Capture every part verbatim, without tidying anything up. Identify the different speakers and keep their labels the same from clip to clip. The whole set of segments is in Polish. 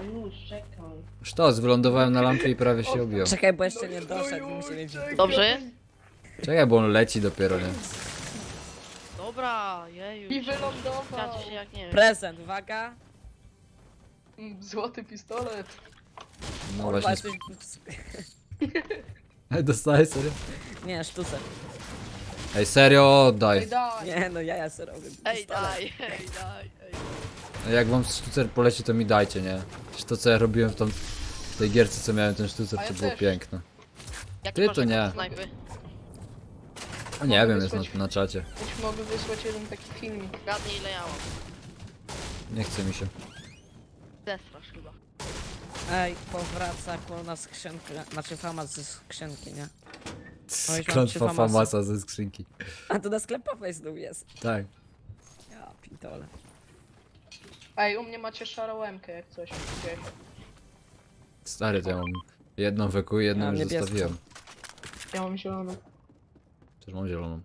Speaker 1: już, czekaj.
Speaker 2: Sztos, wylądowałem na lampie i prawie się objął.
Speaker 3: Czekaj, bo jeszcze nie
Speaker 1: No
Speaker 3: doszedł,
Speaker 1: już,
Speaker 3: musi mieć...
Speaker 1: czekaj.
Speaker 4: Dobrze?
Speaker 2: Czekaj, bo on leci dopiero, nie?
Speaker 4: Dobra, jeju.
Speaker 1: I wylądował.
Speaker 4: Znacie się jak nie wiem.
Speaker 3: Prezent, uwaga.
Speaker 1: Mm, Złoty pistolet.
Speaker 2: No
Speaker 3: Kurwa,
Speaker 2: właśnie.
Speaker 3: jesteś...
Speaker 2: Ej, dostałeś serio?
Speaker 3: Nie, sztuce.
Speaker 2: Ej, serio, oddaj.
Speaker 1: Ej, daj.
Speaker 3: Nie, no ja ja sobie robię
Speaker 4: Ej,
Speaker 3: pistolet.
Speaker 4: daj, ej, daj, ej.
Speaker 2: Ej, Jak wam sztucer poleci, to mi dajcie, nie? Przecież to co ja robiłem w, tą, w tej gierce, co miałem ten sztucer,
Speaker 1: A
Speaker 2: to
Speaker 1: ja
Speaker 2: było
Speaker 1: też.
Speaker 2: piękne.
Speaker 4: Jaki
Speaker 2: Ty
Speaker 4: masz
Speaker 2: to
Speaker 4: rekord
Speaker 2: nie.
Speaker 4: snajpy?
Speaker 2: A nie
Speaker 1: Mogę
Speaker 2: wiem, jest
Speaker 1: wysłać-
Speaker 2: na, na czacie.
Speaker 1: Już mogę wysłać jeden taki filmik.
Speaker 4: Gadnij ile ja mam.
Speaker 2: Nie chce mi się.
Speaker 4: Zestrasz chyba.
Speaker 3: Ej, powraca koło nas skrzynka, znaczy fama ze skrzynki, nie? Oj, mam trzy
Speaker 2: Klątwa
Speaker 3: famasy.
Speaker 2: famasa ze skrzynki.
Speaker 3: A to na sklepowej znów jest.
Speaker 2: Tak.
Speaker 3: Ja pitole.
Speaker 1: Ej, u mnie macie szarą łemkę jak coś. Gdzieś.
Speaker 2: Stary, to ja mam jedną weku i jedną
Speaker 3: Ja mam
Speaker 2: już
Speaker 3: niebieską.
Speaker 2: zostawiłem.
Speaker 1: Ja mam zieloną.
Speaker 2: Też mam zieloną.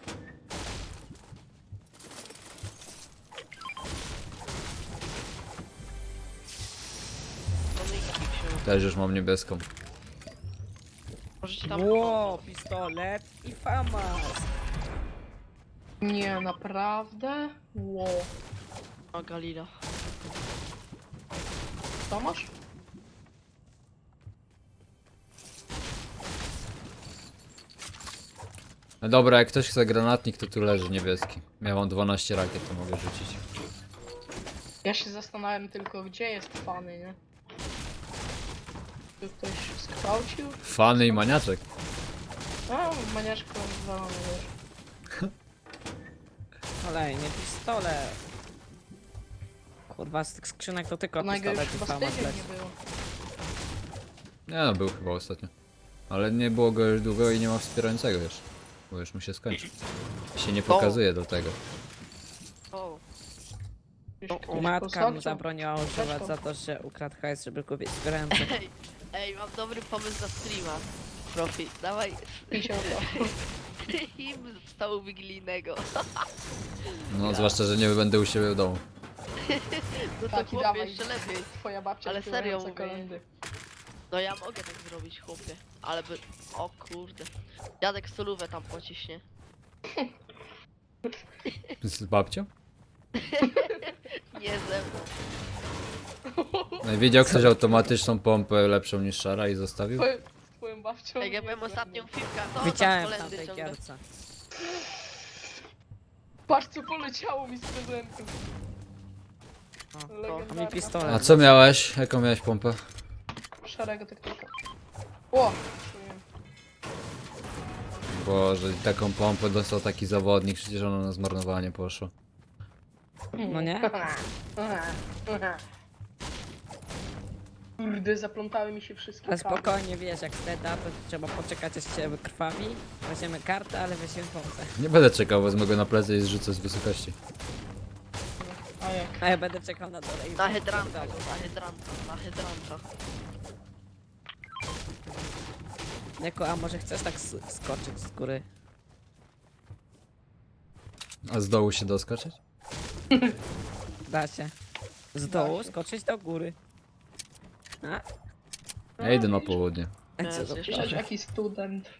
Speaker 4: To my się.
Speaker 2: Też już mam niebieską.
Speaker 4: Możecie tam...
Speaker 3: Ło, pistolet i famas.
Speaker 1: Nie, naprawdę? Ło.
Speaker 4: O, Galila.
Speaker 1: Co masz?
Speaker 2: No dobra, jak ktoś chce granatnik, to tu leży niebieski. Ja mam dwanaście rakiet, to mogę rzucić.
Speaker 1: Ja się zastanawiam tylko, gdzie jest fany, nie? Czy ktoś skwałcił?
Speaker 2: Fany i maniaczek.
Speaker 1: A, maniaczko zwalony wiesz.
Speaker 3: Kolejny pistolet. Kurwa, z tych skrzynek to tylko
Speaker 1: Ona go już
Speaker 3: pistolet i
Speaker 1: chyba z
Speaker 3: famas
Speaker 1: tydzień
Speaker 3: leci.
Speaker 1: nie było.
Speaker 2: Nie no, był chyba ostatnio. Ale nie było go już długo i nie ma wspierającego już. Bo już mu się skończy. Się nie pokazuje do tego.
Speaker 4: O,
Speaker 1: Gdzieś
Speaker 4: O,
Speaker 1: ktoś
Speaker 3: Matka mu
Speaker 1: posadził.
Speaker 3: zabroniła używać za to, że ukradł hajs, żeby kupić sprężę.
Speaker 4: ej, ej, mam dobry pomysł na streama. Profi, dawaj
Speaker 1: Picie to.
Speaker 4: himn z stołu wigilijnego.
Speaker 2: No, zwłaszcza, że nie będę u siebie w domu.
Speaker 4: No to
Speaker 1: Taki
Speaker 4: chłopie
Speaker 1: dawaj.
Speaker 4: jeszcze lepiej.
Speaker 1: Twoja babcia
Speaker 4: Ale
Speaker 1: śpiewająca
Speaker 4: serio mówię.
Speaker 1: kolędy.
Speaker 4: No ja mogę tak zrobić, chłopie. Ale by... O kurde. Dziadek solówę tam pociśnie.
Speaker 2: Z babcią?
Speaker 4: Nie ze mną.
Speaker 2: No i wiedział ktoś automatyczną pompę lepszą niż szara i zostawił?
Speaker 1: Twoje, z twoją babcią.
Speaker 4: Jak ja
Speaker 1: nie
Speaker 4: byłem
Speaker 1: wiem.
Speaker 4: ostatnią filmkę, to
Speaker 3: Widziałem
Speaker 4: tam
Speaker 3: w
Speaker 4: kolendy
Speaker 3: tamtej
Speaker 4: ciągle.
Speaker 3: gierce.
Speaker 1: Patrz co poleciało mi z prezentu.
Speaker 3: O,
Speaker 1: Legendarna
Speaker 3: a mi pistolet.
Speaker 2: A co miałeś? Jaką miałeś pompę?
Speaker 1: Szarego taktyka. O! czuję.
Speaker 2: Boże, taką pompę dostał taki zawodnik, przecież ona na zmarnowanie poszła.
Speaker 3: No nie?
Speaker 1: Kurde, zaplątały mi się wszystkie
Speaker 3: Ale
Speaker 1: kable.
Speaker 3: spokojnie, wiesz, jak steta, to trzeba poczekać, aż się wykrwawi. Weźmiemy kartę, ale weźmiemy pompę.
Speaker 2: Nie będę czekał, wezmę go na plecy i zrzucę z wysokości.
Speaker 1: A jak?
Speaker 3: A ja będę czekał na dole i...
Speaker 4: Na hydranta, na hydranta, na hydranta.
Speaker 3: Jako, a może chcesz tak s- skoczyć z góry?
Speaker 2: A z dołu się doskoczyć?
Speaker 3: Da się. Z dołu skoczyć do góry. A?
Speaker 2: Ja idę na południe.
Speaker 3: A
Speaker 4: Nie,
Speaker 3: co to
Speaker 4: zjesz-
Speaker 1: Przecież jaki student.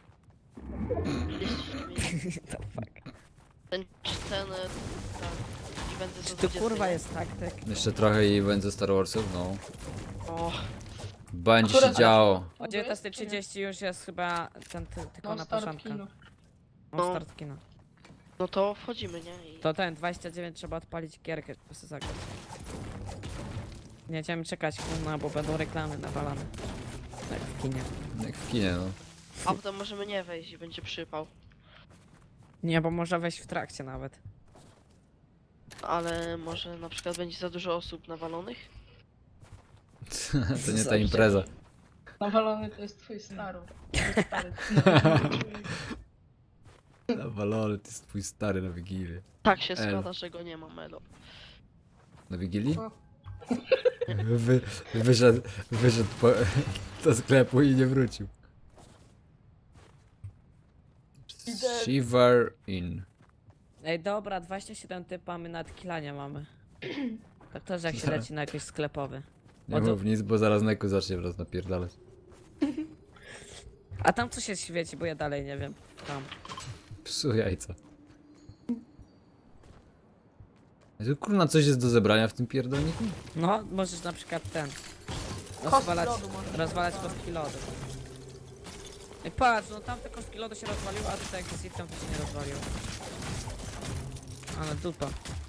Speaker 3: to fuck?
Speaker 4: Ten, ten, e, ten, i będę
Speaker 3: Czy
Speaker 4: za
Speaker 3: tu
Speaker 4: dwudziesty,
Speaker 3: kurwa
Speaker 4: nie?
Speaker 3: jest taktyk?
Speaker 2: Jeszcze trochę i będzie Star Warsów, no.
Speaker 4: O,
Speaker 2: Będzie się
Speaker 1: Akurat-
Speaker 2: działo.
Speaker 3: O dziewiętnasta trzydzieści już jest chyba ten, ty, tylko
Speaker 1: No
Speaker 3: na
Speaker 1: start
Speaker 3: początku.
Speaker 1: kino.
Speaker 3: No start kina.
Speaker 4: no to wchodzimy, nie? I...
Speaker 3: To ten, dwadzieścia dziewięć trzeba odpalić gierkę, po prostu zagrać. Nie będziemy czekać, no bo będą reklamy nawalane. Jak w kinie.
Speaker 2: Jak w kinie, no.
Speaker 4: A potem możemy nie wejść i będzie przypał.
Speaker 3: Nie, bo można wejść w trakcie nawet.
Speaker 4: Ale może na przykład będzie za dużo osób nawalonych?
Speaker 2: To nie ta impreza.
Speaker 1: Nawalony to jest twój stary. Twój stary.
Speaker 2: Nawalony, to jest twój stary na Wigilię.
Speaker 4: Tak się
Speaker 2: Elo.
Speaker 4: składa, że go nie ma, Melo.
Speaker 2: Na Wigilii?
Speaker 1: O.
Speaker 2: Wy, wyszedł, wyszedł po, do sklepu i nie wrócił.
Speaker 1: Idę.
Speaker 2: Shiver in.
Speaker 3: Ej, dobra, dwadzieścia siedem typa, my nawet kilania mamy. Tak też jak się leci na jakiś sklepowy.
Speaker 2: Nie
Speaker 3: O, to-
Speaker 2: mów nic, bo zaraz Neku zacznie wraz napierdalać.
Speaker 3: A tam co się świeci, bo ja dalej nie wiem. Tam.
Speaker 2: Psu jajca. Jezu, kurna, coś jest do zebrania w tym pierdolniku?
Speaker 3: No, możesz na przykład ten.
Speaker 1: Kostki
Speaker 3: Rozwalać,
Speaker 1: lodu możesz
Speaker 3: rozwalać
Speaker 1: rozwalać.
Speaker 3: kostki lodu. I patrz, no tamte kostki lodu się rozwaliły, a tutaj jak jest item, to się nie rozwaliło. Ale dupa.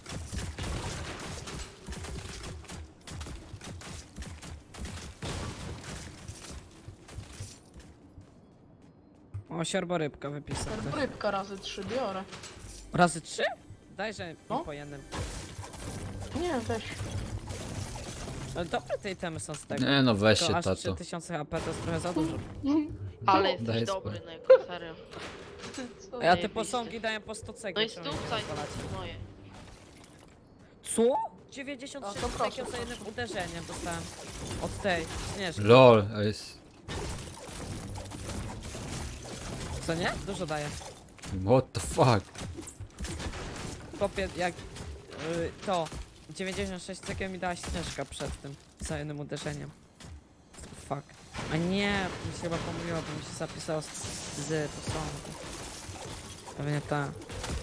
Speaker 3: O, siorborybka wypisał.
Speaker 1: Rybka razy trzy biorę.
Speaker 3: Razy trzy? Dajże
Speaker 1: No.
Speaker 3: mi po jednym.
Speaker 1: Nie, weź.
Speaker 3: Ale dobre te itemy są z tego.
Speaker 2: Nie no, weź
Speaker 3: To
Speaker 2: się,
Speaker 3: aż
Speaker 2: tato.
Speaker 3: trzy tysiące H P to jest trochę za dużo.
Speaker 4: Ale
Speaker 2: Daj
Speaker 4: jesteś
Speaker 2: spokój.
Speaker 4: dobry, Neko, serio.
Speaker 1: Co?
Speaker 3: A ja te
Speaker 4: Zajebiście.
Speaker 3: posągi daję po sto
Speaker 4: No
Speaker 3: cegieł.
Speaker 4: i
Speaker 3: czemu nie
Speaker 4: stupcaj,
Speaker 3: rozwalacie?
Speaker 4: moje.
Speaker 3: Co? dziewięćdziesiąt
Speaker 1: A,
Speaker 3: sześć
Speaker 1: to proszę,
Speaker 3: cegieł za
Speaker 1: proszę.
Speaker 3: jednym uderzeniem dostałem. Od tej śnieżki.
Speaker 2: LOL, a jest...
Speaker 3: Co nie? Dużo daje.
Speaker 2: What the fuck?
Speaker 3: Kopie jak y, to. dziewięćdziesiąt sześć cegieł mi dała śnieżka przed tym. Za jednym uderzeniem. Fuck. A nie, mi się chyba pomyliło, bo mi się zapisało z, z posągu. Pewnie ta.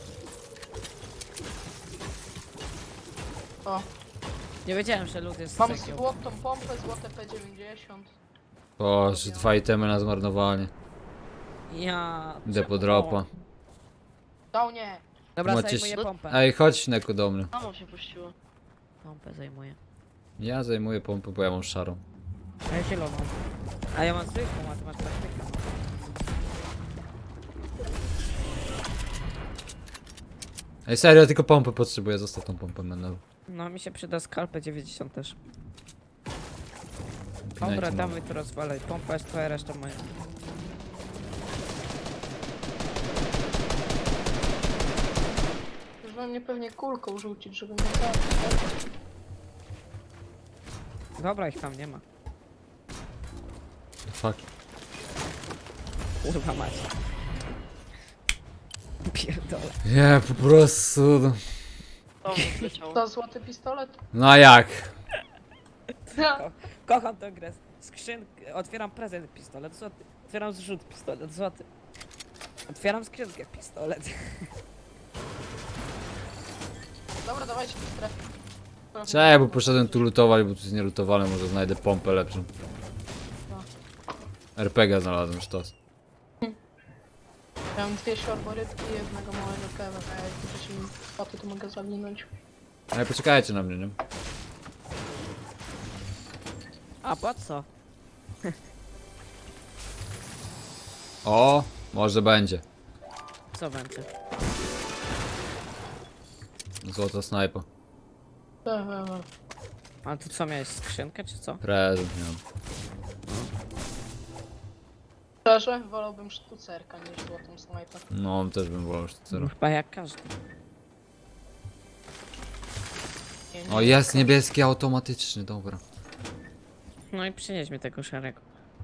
Speaker 1: O,
Speaker 3: Nie wiedziałem, że lód jest z
Speaker 1: mam
Speaker 3: cegieł.
Speaker 1: złotą pompę, złote P dziewięćdziesiąt.
Speaker 2: Boże, dwa itemy na zmarnowanie.
Speaker 3: Ja...
Speaker 2: Idę po
Speaker 3: czemu?
Speaker 2: dropa.
Speaker 1: Dał nie.
Speaker 3: Dobra,
Speaker 2: Macie
Speaker 3: zajmuję
Speaker 2: ś-
Speaker 3: pompę.
Speaker 2: Ej, chodź Neku do mnie.
Speaker 4: Mamo się puściło.
Speaker 3: Pompę zajmuję.
Speaker 2: Ja zajmuję pompę, bo ja mam szarą.
Speaker 3: A ja zieloną. A ja mam zwykłą, a ty masz praktykę.
Speaker 2: Ej, serio, tylko pompę potrzebuję, zostaw tą pompę menel.
Speaker 3: No mi się przyda skalpę dziewięćdziesiąt też.
Speaker 2: Pinajcie
Speaker 3: Dobra,
Speaker 2: nowe.
Speaker 3: dawaj to rozwalaj. Pompa jest twoja, reszta moja.
Speaker 1: Już we mnie pewnie kulką rzucić, żeby mnie zabić.
Speaker 3: Dobra, ich tam nie ma.
Speaker 2: Fuck.
Speaker 3: Kurwa mać. Pierdolę.
Speaker 2: Nie, po prostu... no.
Speaker 4: To mi wleciało.
Speaker 1: To złoty pistolet?
Speaker 2: No a jak?
Speaker 3: Kocham tę grę. Skrzynkę. Otwieram prezent pistolet złoty. Otwieram zrzut pistolet złoty. Otwieram skrzynkę pistolet.
Speaker 1: Dobra, dawajcie do strefy.
Speaker 2: Cześć, bo poszedłem tu lutować, bo tu jest nielutowane, może znajdę pompę lepszą. R P G znalazłem, sztos.
Speaker 1: Ja mam dwie siorborybki i jednego małego kewa, a jak będziecie mi foty, to mogę zawinąć.
Speaker 2: Ej, poczekajcie na mnie, nie?
Speaker 3: A po co?
Speaker 2: O, może będzie.
Speaker 3: Co będzie?
Speaker 2: Złota snajpa.
Speaker 1: Tak, tak, tak.
Speaker 3: A tu co miałeś? Skrzynkę czy co?
Speaker 2: Prezent miałem.
Speaker 1: Szczerze, wolałbym sztucerka niż złotą snajpę.
Speaker 2: No, też bym wolał sztucerów.
Speaker 3: Chyba jak każdy.
Speaker 1: Nie, nie.
Speaker 2: O, jest niebieski automatyczny, dobra.
Speaker 3: No i przynieś mi tego szarego.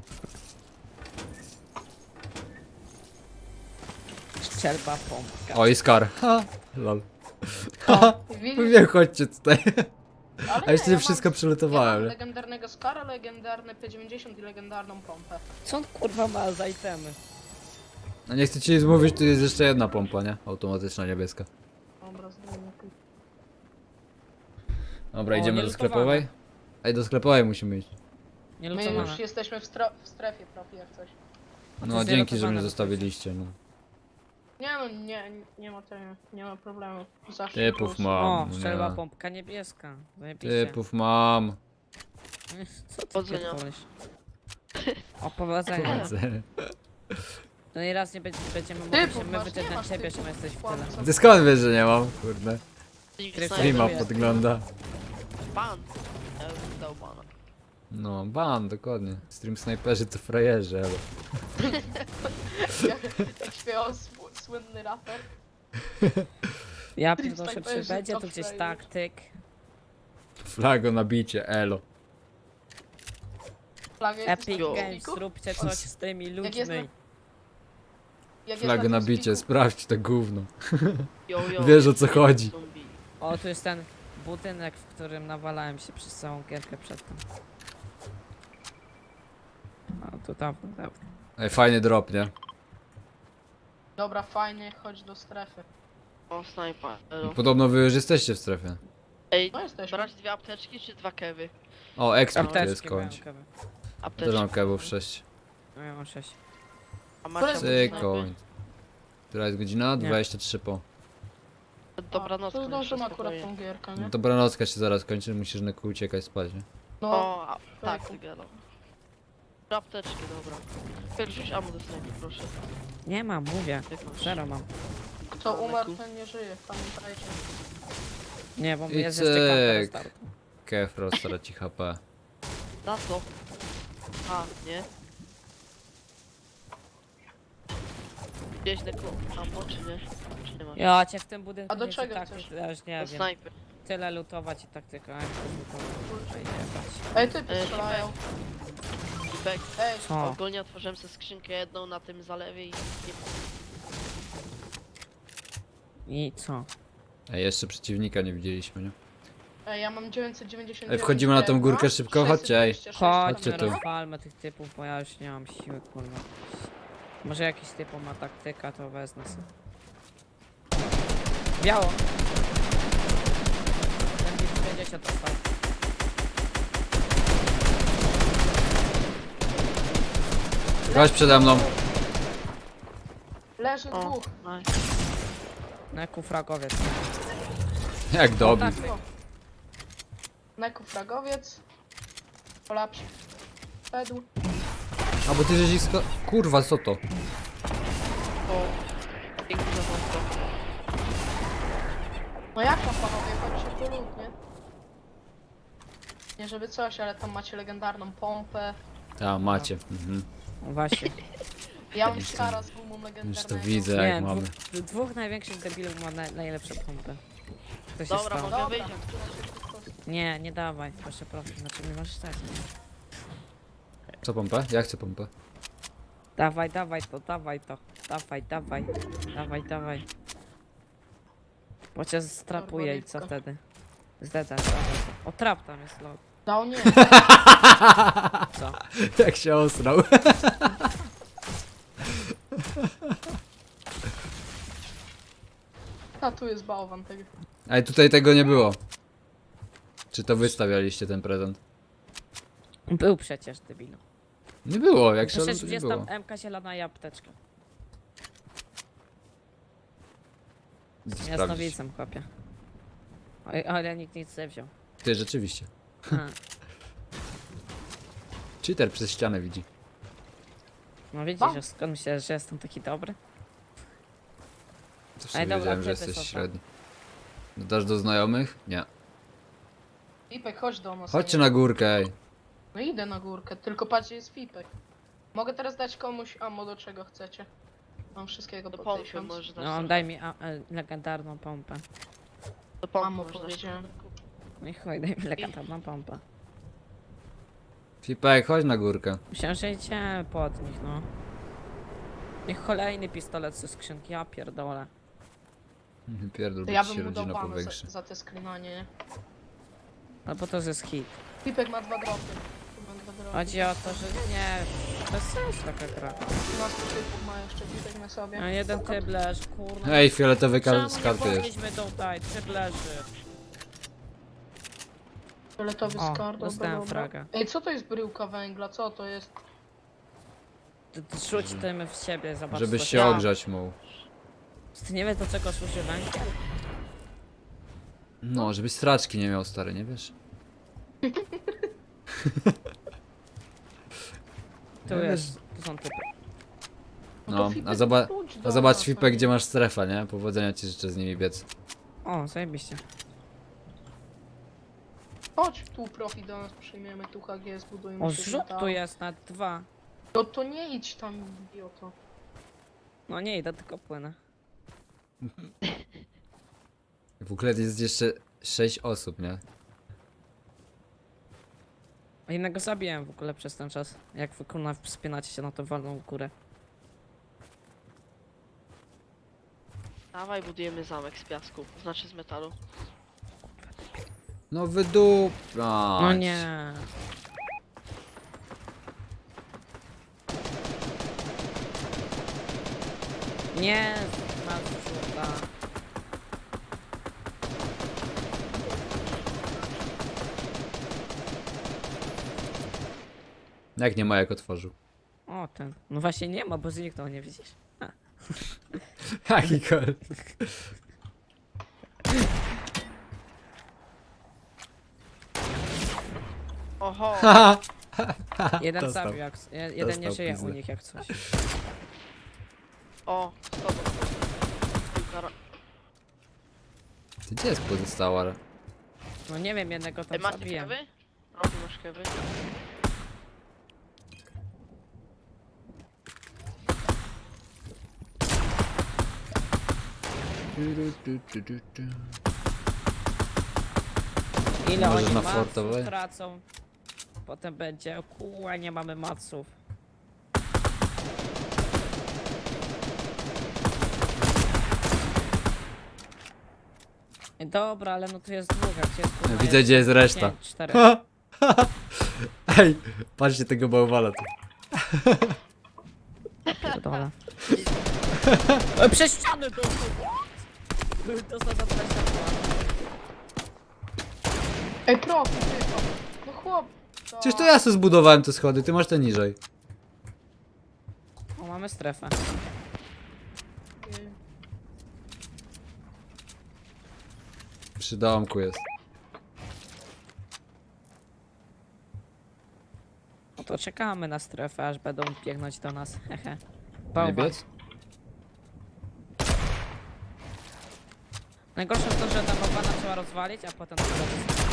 Speaker 3: Szczelba pompka.
Speaker 2: O, i Scar. Ha, lol. Ha,
Speaker 1: Widzisz?
Speaker 2: mówię, chodźcie tutaj.
Speaker 1: Ale
Speaker 2: A jeszcze
Speaker 1: ja
Speaker 2: nie
Speaker 1: mam-
Speaker 2: wszystko
Speaker 1: Ja mam
Speaker 2: przylutowałem, nie?
Speaker 1: legendarnego Skara, legendarny P dziewięćdziesiąt i legendarną pompę.
Speaker 3: Co on kurwa ma za itemy?
Speaker 2: No nie chcę ci zmówić, tu jest jeszcze jedna pompa, nie? Automatyczna, niebieska.
Speaker 1: Dobra, zdejmę tu.
Speaker 2: Dobra,
Speaker 3: O,
Speaker 2: idziemy do
Speaker 3: nielutowane.
Speaker 2: sklepowej? Ej, do sklepowej musimy iść.
Speaker 3: Nie
Speaker 1: My
Speaker 3: lutowane.
Speaker 1: już jesteśmy w, stra- w strefie profi jak coś.
Speaker 3: to
Speaker 2: No,
Speaker 3: jest
Speaker 2: dzięki, że
Speaker 3: nielutowane,
Speaker 2: mnie
Speaker 3: bo to
Speaker 2: zostawiliście, no.
Speaker 1: Nie no, nie, nie ma tego, nie ma problemu. Zawsze
Speaker 2: Typów
Speaker 1: plus.
Speaker 2: mam.
Speaker 3: O,
Speaker 2: no
Speaker 3: szczelba
Speaker 2: nie.
Speaker 3: pompka niebieska. Zajebiście.
Speaker 2: Typów mam.
Speaker 3: Co ty
Speaker 4: Powodzenia.
Speaker 3: pierdolisz? O, powodzenia. No i raz nie będzie, będziemy mogli
Speaker 1: Typów
Speaker 3: się my
Speaker 1: masz, nie
Speaker 3: wyczytać
Speaker 1: masz
Speaker 3: ciebie, że
Speaker 1: typów.
Speaker 3: my jesteś w
Speaker 1: Kłamca.
Speaker 3: tyle.
Speaker 2: Ty skąd wiesz, że nie mam? Kurde.
Speaker 4: Nikt
Speaker 3: Streama
Speaker 4: znajdzie.
Speaker 2: Streama
Speaker 3: jest.
Speaker 2: podgląda.
Speaker 4: Ban. Ja bym dał bana.
Speaker 2: No, ban, dokładnie. Stream snajperzy to frajerzy, ale...
Speaker 1: Jak śpiewał sł- słynny raper.
Speaker 3: Ja
Speaker 1: Stream
Speaker 3: proszę, czy
Speaker 1: snajperzy
Speaker 3: będzie
Speaker 1: to
Speaker 3: tu gdzieś
Speaker 1: frajerzy.
Speaker 3: taktyk.
Speaker 2: Flago nabicie, elo.
Speaker 1: Flaga jest
Speaker 3: Epic
Speaker 1: na
Speaker 3: Games,
Speaker 1: Teamspeaku?
Speaker 3: zróbcie coś z tymi
Speaker 1: Jak jest na-
Speaker 3: ludźmi.
Speaker 1: Jak jest
Speaker 2: Flago
Speaker 1: na
Speaker 2: nabicie,
Speaker 1: Teamspeaku-
Speaker 2: sprawdź to gówno.
Speaker 4: Yo, yo,
Speaker 2: Wiesz, o co chodzi.
Speaker 4: zombie.
Speaker 3: O, tu jest ten budynek, w którym nawalałem się przez całą gierkę przedtem. A to dawno, dawno.
Speaker 2: Ej, fajny drop, nie?
Speaker 1: Dobra, fajnie, chodź do strefy.
Speaker 4: O, snajpa. elo.
Speaker 2: Podobno wy już jesteście w strefie.
Speaker 4: Ej,
Speaker 1: No jesteśmy.
Speaker 4: brać dwie apteczki czy dwa kewy?
Speaker 2: O, ekspert tu jest
Speaker 3: Apteczki mają
Speaker 2: kończ.
Speaker 3: kawy.
Speaker 2: Też
Speaker 4: Apteczki.
Speaker 2: mam kebów sześć.
Speaker 3: No ja mam sześć.
Speaker 4: A macie
Speaker 1: Które-
Speaker 2: Cyk,
Speaker 4: snajpy?
Speaker 2: koń. Która jest godzina?
Speaker 3: Nie.
Speaker 2: dwadzieścia trzy po.
Speaker 4: Dobranoc.
Speaker 1: To zdążymy
Speaker 4: koniecznie,
Speaker 1: akurat
Speaker 4: spokojnie.
Speaker 1: tą gierkę, nie?
Speaker 2: No dobranocka się zaraz kończy, musisz na kół uciekać spać, nie?
Speaker 1: No,
Speaker 4: O, a, tak,
Speaker 1: Fajku.
Speaker 4: Tygelo. Trzy apteczki, dobra. Pierwszy ammo do snajpy, proszę.
Speaker 3: Nie mam, mówię.
Speaker 4: Jak masz?
Speaker 3: Zero mam.
Speaker 1: kto umarł, ten nie żyje, pamiętajcie.
Speaker 3: Nie, bo
Speaker 2: I
Speaker 3: jest jeszcze karta
Speaker 2: cyk.
Speaker 3: restartu.
Speaker 2: Kefro straci H P.
Speaker 4: Za co? A, nie? Gdzieś tego ammo, czy nie? Czy nie ma?
Speaker 3: Ja cię w tym budynku
Speaker 1: A do
Speaker 3: nie chcę
Speaker 1: czego
Speaker 3: tak,
Speaker 1: chcesz?
Speaker 3: ja już nie
Speaker 4: Do
Speaker 3: wiem.
Speaker 4: snajpy.
Speaker 3: Tyle lutować i taktyka, jak to lutować. Ej, jebać.
Speaker 1: Ej, typy
Speaker 4: Ej,
Speaker 1: strzelają.
Speaker 4: Bek.
Speaker 1: Ej,
Speaker 3: Co?
Speaker 4: Ogólnie otworzyłem sobie skrzynkę jedną na tym zalewie i nie
Speaker 3: I co?
Speaker 2: Ej, jeszcze przeciwnika nie widzieliśmy, nie?
Speaker 1: ej, ja mam dziewięćset dziewięćdziesiąt dziewięć.
Speaker 2: Ej, wchodzimy na tą górkę
Speaker 1: drewna,
Speaker 2: szybko? Chodźcie, ej.
Speaker 1: sześćset dwadzieścia sześć
Speaker 2: Chodźcie
Speaker 3: Chodźmy,
Speaker 2: tu.
Speaker 3: rozwalmy tych typów, bo ja już nie mam siły, kurwa. Może jakiś typu ma taktyka, to wezmę sobie. Biało! Ten pięćdziesiąt dostał.
Speaker 2: Chodź przede mną.
Speaker 1: Leży
Speaker 4: O,
Speaker 1: dwóch.
Speaker 4: nice.
Speaker 3: Neku fragowiec.
Speaker 2: Jak dobił.
Speaker 3: tak.
Speaker 1: O. Neku fragowiec. Polapsz. Pedł.
Speaker 2: A bo ty żeś ich sko... Kurwa, co to?
Speaker 4: O. Piękny zawodko.
Speaker 1: No jak tam panowie, chodźcie po lód, nie? Nie żeby coś, ale tam macie legendarną pompę.
Speaker 2: A, macie. Mhm.
Speaker 3: No właśnie.
Speaker 1: Ja mam
Speaker 2: Już to-
Speaker 1: skara z gumą
Speaker 2: Już
Speaker 1: legendarnego.
Speaker 2: to widzę,
Speaker 3: Nie,
Speaker 2: jak mamy.
Speaker 3: dwóch, dwóch największych debilów ma na, najlepsze pompy. To się
Speaker 4: Dobra,
Speaker 3: stało.
Speaker 4: mogę
Speaker 1: Dobra.
Speaker 4: wyjść.
Speaker 3: Nie, nie dawaj, proszę, proszę, znaczy nie możesz stać.
Speaker 2: Co pompę? Ja chcę pompę.
Speaker 3: Dawaj, dawaj to, dawaj to, dawaj, dawaj, dawaj, dawaj. Bo cię strapuje i co
Speaker 1: Barbaryczka.
Speaker 3: wtedy? Zdedzasz, dawaj. O, trap tam jest, lol.
Speaker 1: Dał nie.
Speaker 3: Co?
Speaker 2: Jak się osrał.
Speaker 1: A tu jest bałwan tego.
Speaker 2: Ej, tutaj tego nie było. Czy to wystawialiście ten prezent?
Speaker 3: Był przecież, debilu.
Speaker 2: Nie było, jak się
Speaker 3: Przecież
Speaker 2: to nie
Speaker 3: jest
Speaker 2: było.
Speaker 3: tam M K zielona i apteczka.
Speaker 2: Idę
Speaker 3: Z
Speaker 2: sprawdzić.
Speaker 3: jasnowicem, chłopie. Oj, ale nikt nic nie wziął.
Speaker 2: Ty, rzeczywiście.
Speaker 3: A,
Speaker 2: Cheater przez ścianę widzi.
Speaker 3: no widzisz,
Speaker 1: Mam.
Speaker 3: że skąd myślałeś, że jestem taki dobry?
Speaker 2: To
Speaker 3: Ej,
Speaker 2: sobie
Speaker 3: dobra,
Speaker 2: wiedziałem, że
Speaker 3: typy
Speaker 2: jesteś
Speaker 3: są tam.
Speaker 2: średni. Dodasz do znajomych? Nie.
Speaker 1: Fipek, chodź do nas.
Speaker 2: Chodźcie
Speaker 1: nie?
Speaker 2: na górkę, ej.
Speaker 1: No idę na górkę, tylko patrzcie, jest Fipek. Mogę teraz dać komuś ammo do czego chcecie. Mam wszystkiego
Speaker 4: Do
Speaker 1: po
Speaker 4: pompy
Speaker 1: tysiąc.
Speaker 4: możesz dać.
Speaker 3: No,
Speaker 4: trochę.
Speaker 3: daj mi a, a, legendarną pompę.
Speaker 4: Do pompy
Speaker 1: Ammo
Speaker 4: możesz dać.
Speaker 1: powiedziałem.
Speaker 3: No i chuj, daj mi legendarną pompę.
Speaker 2: Fipek, chodź na górkę.
Speaker 3: Myślałem, że idziemy pod nich, no. Niech kolejny pistolet ze skrzynki, ja pierdolę.
Speaker 2: Pierdol,
Speaker 1: To
Speaker 2: bo
Speaker 1: ja
Speaker 2: ci się
Speaker 1: bym mu dał
Speaker 2: rodzina
Speaker 1: bana
Speaker 2: powiększy.
Speaker 1: za, za te sklinanie, nie?
Speaker 3: No bo to jest hit.
Speaker 1: Fipek ma dwa dropy. Ma dwa dropy.
Speaker 3: Chodzi o to, że nie, bez sensu taka gra.
Speaker 1: dwanaście typów ma jeszcze Fipek na sobie.
Speaker 3: A jeden typ leży, kurwa.
Speaker 2: Ej, fioletowy
Speaker 3: Czemu
Speaker 2: kar- z
Speaker 3: nie
Speaker 2: karty jest.
Speaker 3: poszliśmy tutaj, typ leży.
Speaker 1: Fioletowy
Speaker 3: O,
Speaker 1: skar, dobra,
Speaker 3: dostałem
Speaker 1: dobra.
Speaker 3: fraga.
Speaker 1: Ej, co to jest bryłka węgla? Co to jest?
Speaker 3: Ty, ty rzuć tym w siebie, zobacz
Speaker 2: Żebyś
Speaker 3: co
Speaker 2: się
Speaker 3: tam.
Speaker 2: ogrzać mógł.
Speaker 3: Ty nie wiesz do czego służy węgiel?
Speaker 2: No, żebyś straczki nie miał, stary, nie wiesz?
Speaker 3: Tu
Speaker 2: Nie
Speaker 3: jest, tu są typy.
Speaker 2: No,
Speaker 1: to
Speaker 2: a,
Speaker 1: Fipek,
Speaker 2: zoba
Speaker 1: chodź do
Speaker 2: a zobacz
Speaker 1: nas,
Speaker 2: Fipek,
Speaker 1: no.
Speaker 2: gdzie masz strefę, nie? Powodzenia ci życzę z nimi biec.
Speaker 3: O, zajebiście.
Speaker 1: Chodź tu profi do nas przyjmiemy, tu H G, zbudujemy
Speaker 3: O,
Speaker 1: się
Speaker 3: zrzut
Speaker 1: metalu.
Speaker 3: tu jest na dwa.
Speaker 1: No to nie idź tam, idioto.
Speaker 3: No nie idę, tylko płynę.
Speaker 2: W ogóle jest jeszcze sześć osób, nie?
Speaker 3: A innego zabiłem w ogóle przez ten czas. Jak wy kurna wspinacie się na tą walną górę.
Speaker 4: Dawaj, budujemy zamek z piasku, znaczy z metalu.
Speaker 2: No wydup...
Speaker 3: No nie. Nie, masz żółta.
Speaker 2: Jak nie ma, jak otworzył.
Speaker 3: O, ten. No właśnie nie ma, bo zniknął, nie widzisz? A.
Speaker 2: Jaki kol.
Speaker 4: Oho,
Speaker 3: Jeden
Speaker 2: Dostał.
Speaker 3: zabił, jak, je- jeden nie
Speaker 2: Dostał
Speaker 3: żyje
Speaker 2: pizdę.
Speaker 3: u nich jak coś.
Speaker 4: o, z tobą. Zara-
Speaker 2: Ty gdzie jest pozostała?
Speaker 3: No nie wiem, jednego
Speaker 4: Ej,
Speaker 3: tam
Speaker 4: macie
Speaker 3: zabiłem.
Speaker 4: kewy? Robi masz kewy?
Speaker 3: Ile
Speaker 2: Możesz
Speaker 3: oni
Speaker 2: na
Speaker 3: maców
Speaker 2: fortowe?
Speaker 3: tracą? Potem będzie, kuła, nie mamy maców. Ej, dobra, ale no tu jest dwóch, jak jest kurwa,
Speaker 2: Widzę, gdzie jest reszta.
Speaker 3: pięć, cztery.
Speaker 2: Ej, patrzcie tego bałwana tu.
Speaker 3: Pierdolę. Ej, przez ścianę dostał! What? Dostał za dwadzieścia dwa.
Speaker 1: Ej, profi, tylko. No chłop. To...
Speaker 2: Przecież to ja sobie zbudowałem te schody, ty masz te niżej.
Speaker 3: O, mamy strefę.
Speaker 2: Przy domku jest.
Speaker 3: No to czekamy na strefę, aż będą biegnąć do nas. Hehe.
Speaker 2: Nie
Speaker 3: Bałwan.
Speaker 2: biec?
Speaker 3: Najgorsze jest to, że ta bałwana trzeba rozwalić, a potem dopiero wysadzić.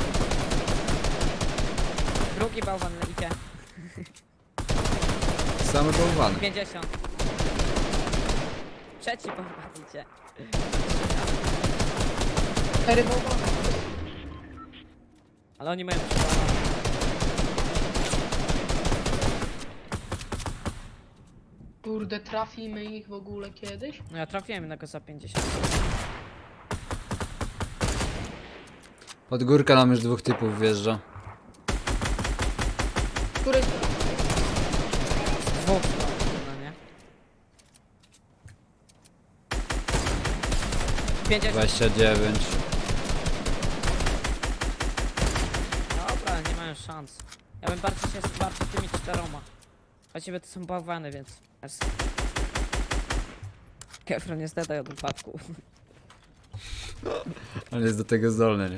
Speaker 3: Drugi bałwan idzie.
Speaker 2: Same bałwany.
Speaker 3: pięćdziesiąt. Trzeci bałwan idzie.
Speaker 1: Cztery bałwany.
Speaker 3: Ale oni mają przewagę.
Speaker 1: Kurde, trafimy ich w ogóle kiedyś?
Speaker 3: No ja trafiłem jednego za pięćdziesiąt.
Speaker 2: Od górka nam już dwóch typów wjeżdża.
Speaker 1: Który...
Speaker 3: Dwóch no nie? pięćdziesiąt.
Speaker 2: dwadzieścia dziewięć.
Speaker 3: Dobra, nie mają szans. Ja bym bardziej się zwarł tymi czteroma. Właściwie to są bałwany, więc... Jest. Kefron nie zdadaj od upadku.
Speaker 2: On jest do tego zdolny, nie?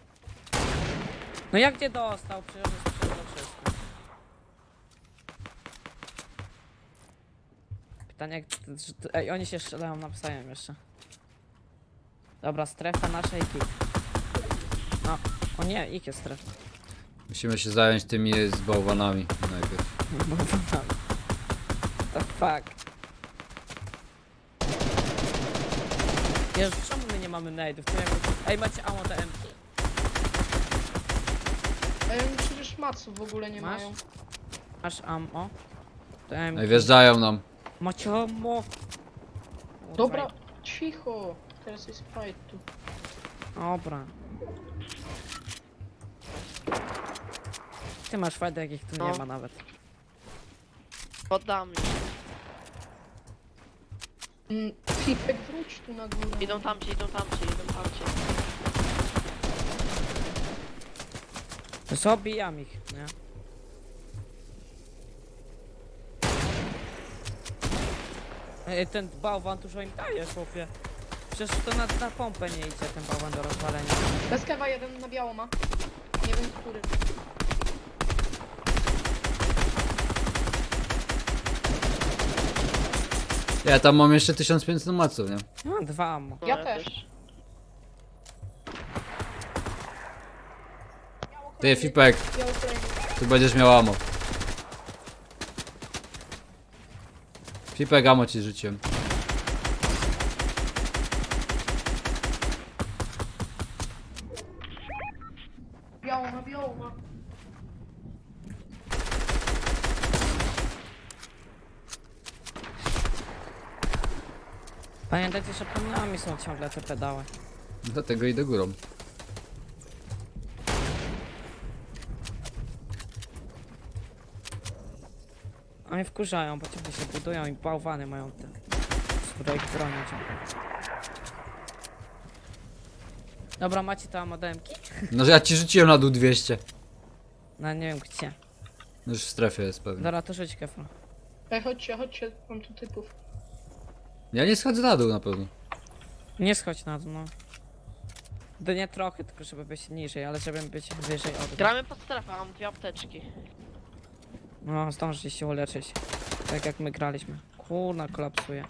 Speaker 3: No jak nie dostał? Przecież on jest przede wszystkim. Pytanie jak... czy- czy- Ej, oni się strzelają nawzajem jeszcze. Dobra, strefa naszej kit. No, o nie, ich jest strefa.
Speaker 2: Musimy się zająć tymi z bałwanami najpierw.
Speaker 3: The fuck. Jezu, czemu my nie mamy nade'ów? To ja bym- Ej, macie ammo te M.
Speaker 1: Ej, oni przecież maców w ogóle nie
Speaker 3: Masz?
Speaker 1: mają.
Speaker 3: Masz ammo? To M.
Speaker 2: Ej, wjeżdżają nam.
Speaker 3: Macie ammo?
Speaker 1: Dobra, cicho. Teraz jest fight tu.
Speaker 3: Dobra. Ty masz fajdę, jakich tu nie
Speaker 4: No.
Speaker 3: ma nawet.
Speaker 4: Poddam.
Speaker 1: Mm, Fipek, wróć tu na górę.
Speaker 4: Idą tamci, idą tamci, idą tamci.
Speaker 3: Zabijam ich, nie? Ej, ten bałwan dużo im daje, chłopie. Przecież to na, na pompę nie idzie ten bałwan do rozwalenia.
Speaker 1: Bez kewa jeden na biało ma. Nie wiem który.
Speaker 2: Ja tam mam jeszcze tysiąc pięćset maców, nie?
Speaker 3: Ja mam dwa ammo.
Speaker 4: No,
Speaker 1: Ja też.
Speaker 2: Ty, Fipek,
Speaker 1: Biały kolejny.
Speaker 2: tu będziesz miał amo. Fipek, amo ci rzuciłem.
Speaker 1: Biało ma, biało ma.
Speaker 3: Pamiętajcie, że pod nami są ciągle te pedały.
Speaker 2: Dlatego idę górą.
Speaker 3: Oni wkurzają, bo ciągle się budują i bałwany mają te Kurde, ich bronić. Dobra, macie tam modemki?
Speaker 2: No że ja ci rzuciłem na dół dwieście.
Speaker 3: No nie wiem gdzie.
Speaker 2: No już w strefie jest pewnie.
Speaker 3: Dobra, to rzuć kefla.
Speaker 1: Ej, chodźcie, chodźcie, mam tu typów.
Speaker 2: Ja nie schodzę na dół na pewno.
Speaker 3: Nie schodź na dół, no. To nie trochę, tylko żeby być niżej, ale żeby być wyżej od.
Speaker 4: Gramy pod strefę, mam dwie apteczki.
Speaker 3: No, zdążyć się uleczyć. Tak jak my graliśmy. Kurna, kolapsuje.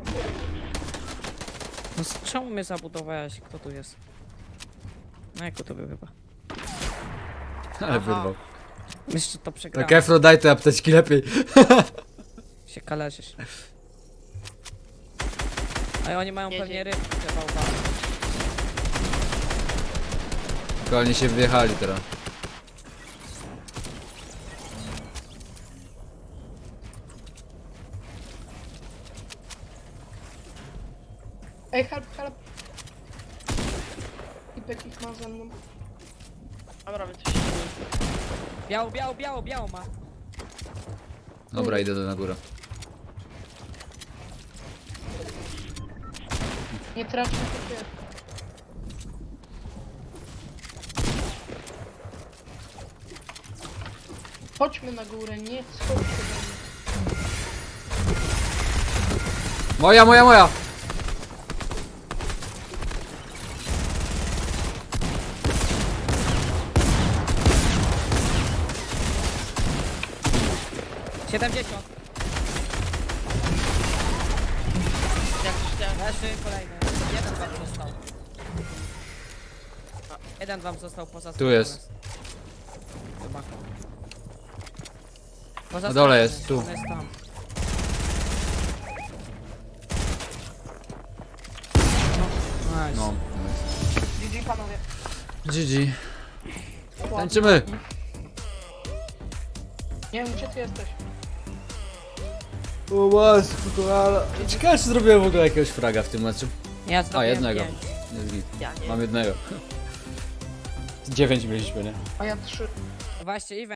Speaker 3: No z czemu mnie zabudowałeś? Kto tu jest? No jak to był chyba?
Speaker 2: Ale
Speaker 4: Aha.
Speaker 2: wyrwał.
Speaker 3: Jeszcze to przegrałem.
Speaker 2: Tak Efro, daj te apteczki lepiej.
Speaker 3: Się kalerzysz. A oni mają
Speaker 4: Jedzie.
Speaker 3: pewnie rybki te bałwany.
Speaker 2: Tylko oni się wjechali teraz.
Speaker 1: Ej, help, help. Typek ich ma ze mną.
Speaker 4: Dobra, my coś się
Speaker 3: Biało, biało, biało, biało ma.
Speaker 2: Dobra, idę do na górę.
Speaker 1: Nie traćmy typie. Chodźmy na górę, nie schodźcie do mnie.
Speaker 2: Moja, moja, moja!
Speaker 3: siedemdziesiąt.
Speaker 4: Jak chciałem.
Speaker 3: Leży kolejny. Jeden wam został. Jeden wam został poza
Speaker 2: Tu jest.
Speaker 3: Chyba. Poza
Speaker 2: Na dole
Speaker 3: strefą
Speaker 2: jest, tu.
Speaker 3: on jest tam. No, nice.
Speaker 2: No.
Speaker 1: G G panowie.
Speaker 2: G G. Tańczymy!
Speaker 1: Nie wiem, gdzie ty jesteś.
Speaker 2: O matko, ale... Ciekawe, czy zrobiłem w ogóle jakiegoś fraga w tym meczu.
Speaker 3: Ja zrobiłem
Speaker 2: jednego.
Speaker 3: pięć.
Speaker 2: Jest git.
Speaker 4: Ja nie
Speaker 2: Mam jednego. Dziewięć mieliśmy, nie?
Speaker 1: A ja trzy.
Speaker 3: Właśnie, Iwan.